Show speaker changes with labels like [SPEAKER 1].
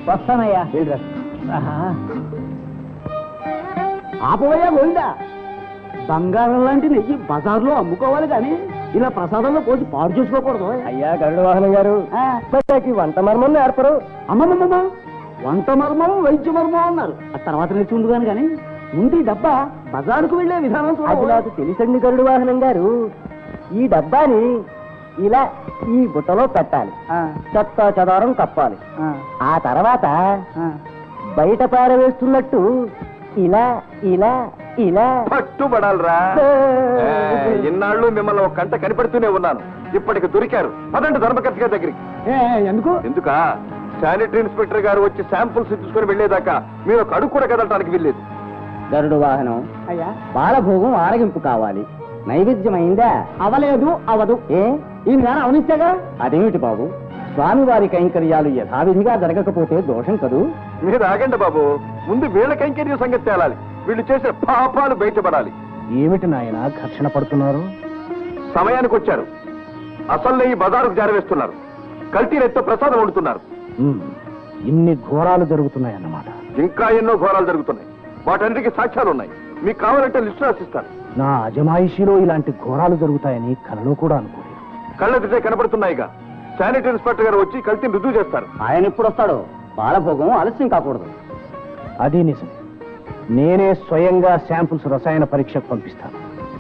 [SPEAKER 1] వస్తానయ్యా. ఆపవయ్యా గోవిందా, బంగారం లాంటి నెయ్యి బజార్లో అమ్ముకోవాలి కానీ ఇలా ప్రసాదంలో పోసి పాడు చేసుకోకూడదు.
[SPEAKER 2] అయ్యా గరుడ వాహనం గారు, వంట మర్మం నేర్పరు.
[SPEAKER 1] అమ్మమ్మమ్మ, వంట మర్మం వైద్య మర్మం అన్నారు. ఆ తర్వాత నేర్చుకుంటున్నాను కానీ ముందు ఈ డబ్బా బజారుకు వెళ్లే విధానం
[SPEAKER 2] అది నాకు తెలుసండి గరుడ వాహనం గారు. ఈ డబ్బాని ఇలా ఈ బుట్టలో పెట్టాలి, చెత్త చెదారం కప్పాలి. ఆ తర్వాత బయట పారవేస్తున్నట్టు ఇలా ఇలా ఇలా
[SPEAKER 3] పట్టుబడాలరా. ఇన్నాళ్ళు మిమ్మల్ని ఒక కంట కనిపెడుతూనే ఉన్నాను, ఇప్పటికి దొరికారు. పదండి ధర్మకర్త గారి దగ్గరికి.
[SPEAKER 1] ఎందుకు?
[SPEAKER 3] ఎందుకా? శానిటరీ ఇన్స్పెక్టర్ గారు వచ్చి శాంపుల్స్ తీసుకుని వెళ్లేదాకా మీరు ఒక అడుగు కూడా కదలటానికి వెళ్ళేది.
[SPEAKER 2] గరుడు వాహనం
[SPEAKER 1] అయ్యా,
[SPEAKER 2] బాలభోగం ఆరగింపు కావాలి. నైవేద్యమైందా?
[SPEAKER 1] అవలేదు, అవదు. ఈయన గారు అవనిస్తేగా.
[SPEAKER 2] అదేమిటి బాబు, స్వామివారి కైంకర్యాలు యథావిధిగా జరగకపోతే దోషం కదూ.
[SPEAKER 3] మీరు ఆగండి బాబు, ముందు వీళ్ళ కైంకర్య సంగతి తేలాలి. వీళ్ళు చేసిన పాపాలు బయటపడాలి.
[SPEAKER 2] ఏమిటి నాయన ఘర్షణ పడుతున్నారు?
[SPEAKER 3] సమయానికి వచ్చారు. అసలు నెయ్యి బజారుకు జారవేస్తున్నారు. కల్తీనెత్తో ప్రసాదం వండుతున్నారు.
[SPEAKER 2] ఇన్ని ఘోరాలు జరుగుతున్నాయన్నమాట.
[SPEAKER 3] ఇంకా ఎన్నో ఘోరాలు జరుగుతున్నాయి. వాటన్నిటికీ సాక్ష్యాలు ఉన్నాయి. మీకు కావాలంటే లిస్టు రాసిస్తాను.
[SPEAKER 2] నా అజమాయిషీలో ఇలాంటి ఘోరాలు జరుగుతాయని కలలో కూడా అనుకోలేదు.
[SPEAKER 3] కళ్ళెదిటే కనబడుతున్నాయిగా. శానిటరీ ఇన్స్పెక్టర్ గారు వచ్చి కల్తీని రుజువు చేస్తారు.
[SPEAKER 2] ఆయన ఎప్పుడు వస్తాడో? బాలభోగం ఆలస్యం కాకూడదు. అది నిజం. నేనే స్వయంగా శాంపుల్స్ రసాయన పరీక్షకు పంపిస్తాను.